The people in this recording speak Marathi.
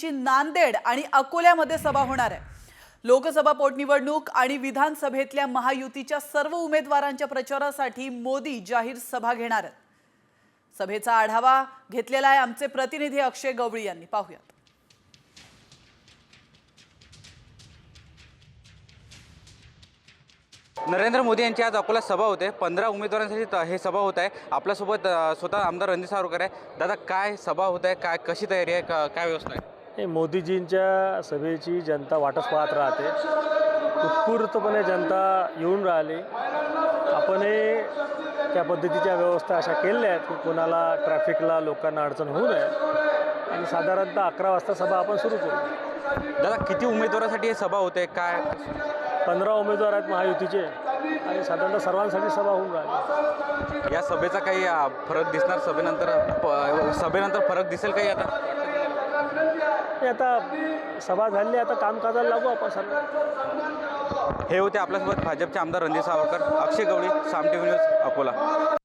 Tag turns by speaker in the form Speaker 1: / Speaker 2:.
Speaker 1: महायुतीची नांदेड आणि अकोल्यामध्ये सभा होणार आहे। लोकसभा पोटनिवडणूक आणि विधानसभेतल्या महायुतीच्या सर्व उमेदवारांच्या प्रचारासाठी मोदी जाहीर सभा घेणार आहेत। सभेचा आढावा घेतलेला आहे आमचे प्रतिनिधी अक्षय गवळी यांनी। पाहूयात।
Speaker 2: नरेंद्र मोदी यांची आज अकोला सभा होते। 15 उमेदवारांसाठी हे सभा होत आहे। आपल्यासोबत स्वतः आमदार रणजित सावरकर आहे। दादा, काय सभा होत आहे, काय कशी तयारी आहे, काय व्यवस्था आहे?
Speaker 3: मोदीजींच्या सभेची जनता वाटच पाहत राहते। उत्स्फूर्तपणे जनता येऊन राहिली। आपणही त्या पद्धतीच्या व्यवस्था अशा केलेल्या आहेत की कोणाला ट्रॅफिकला लोकांना अडचण होऊ नये आणि साधारणतः 11 वाजता सभा आपण सुरू करू।
Speaker 2: दादा, किती उमेदवारांसाठी हे सभा होते, काय?
Speaker 3: 15 उमेदवार आहेत महायुतीचे आणि साधारणतः सर्वांसाठी सभा होऊन राहिली।
Speaker 2: या सभेचा काही फरक दिसणार सभेनंतर फरक दिसेल काही?
Speaker 3: आता सभा झाली, आता कामकाजाला लागू आपण सर्व।
Speaker 2: हे होते आपल्यासोबत भाजपचे आमदार रणजित सावरकर। Akshay Gawali, Saam TV news, Akola.